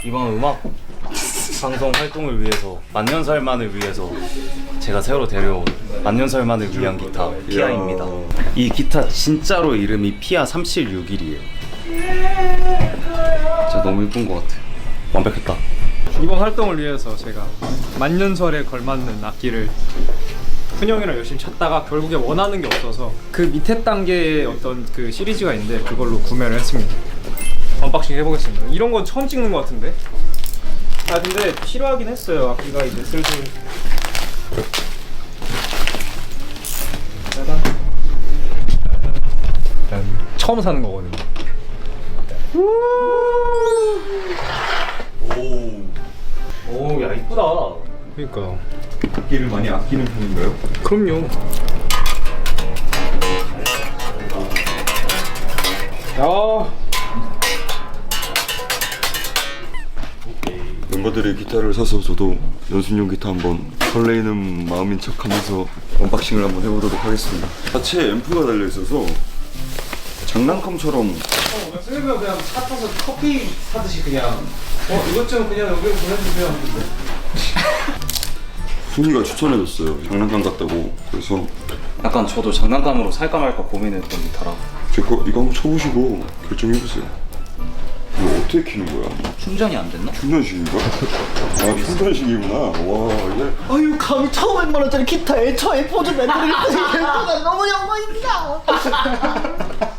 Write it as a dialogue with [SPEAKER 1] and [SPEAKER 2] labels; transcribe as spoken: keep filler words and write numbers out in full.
[SPEAKER 1] 이번 음악 방송 활동을 위해서 만년설만을 위해서 제가 새로 데려온 만년설만을 위한 기타 피아입니다. 이 기타 진짜로 이름이 피아 삼칠육일이에요. 진짜 너무 예쁜 것 같아. 완벽했다.
[SPEAKER 2] 이번 활동을 위해서 제가 만년설에 걸맞는 악기를 훈영이랑 열심히 찾다가 결국에 원하는 게 없어서 그 밑에 단계의 어떤 그 시리즈가 있는데 그걸로 구매를 했습니다. 언박싱 해보겠습니다. 이런 건 처음 찍는 것 같은데? 아 근데 필요하긴 했어요. 악기가 이제 슬슬 짜잔. 짜잔. 처음 사는 거거든요.
[SPEAKER 1] 오, 야 이쁘다.
[SPEAKER 2] 그러니까
[SPEAKER 3] 악기를 많이 아끼는 편인가요?
[SPEAKER 2] 그럼요. 야.
[SPEAKER 3] 멤버들이 기타를 사서 저도 연습용 기타 한번 설레이는 마음인 척하면서 언박싱을 한번 해보도록 하겠습니다. 자체 앰프가 달려 있어서 장난감처럼.
[SPEAKER 2] 어, 연습해보면 그냥 차 타서 커피 사듯이 그냥 어 이것 좀 그냥 여기로 보내주세요.
[SPEAKER 3] 순이가 추천해줬어요. 장난감 같다고. 그래서
[SPEAKER 1] 약간 저도 장난감으로 살까 말까 고민했던 기타라.
[SPEAKER 3] 제거 이거 한번 쳐보시고 결정해보세요. 이거 어떻게 키는 거야?
[SPEAKER 1] 충전이 안 됐나?
[SPEAKER 3] 충전식인가? 아 충전식이구나. 와 이게
[SPEAKER 4] 아유 감히 천오백만 원짜리 기타에 저의 포즈 만들기 때문에 너무 영광입니다.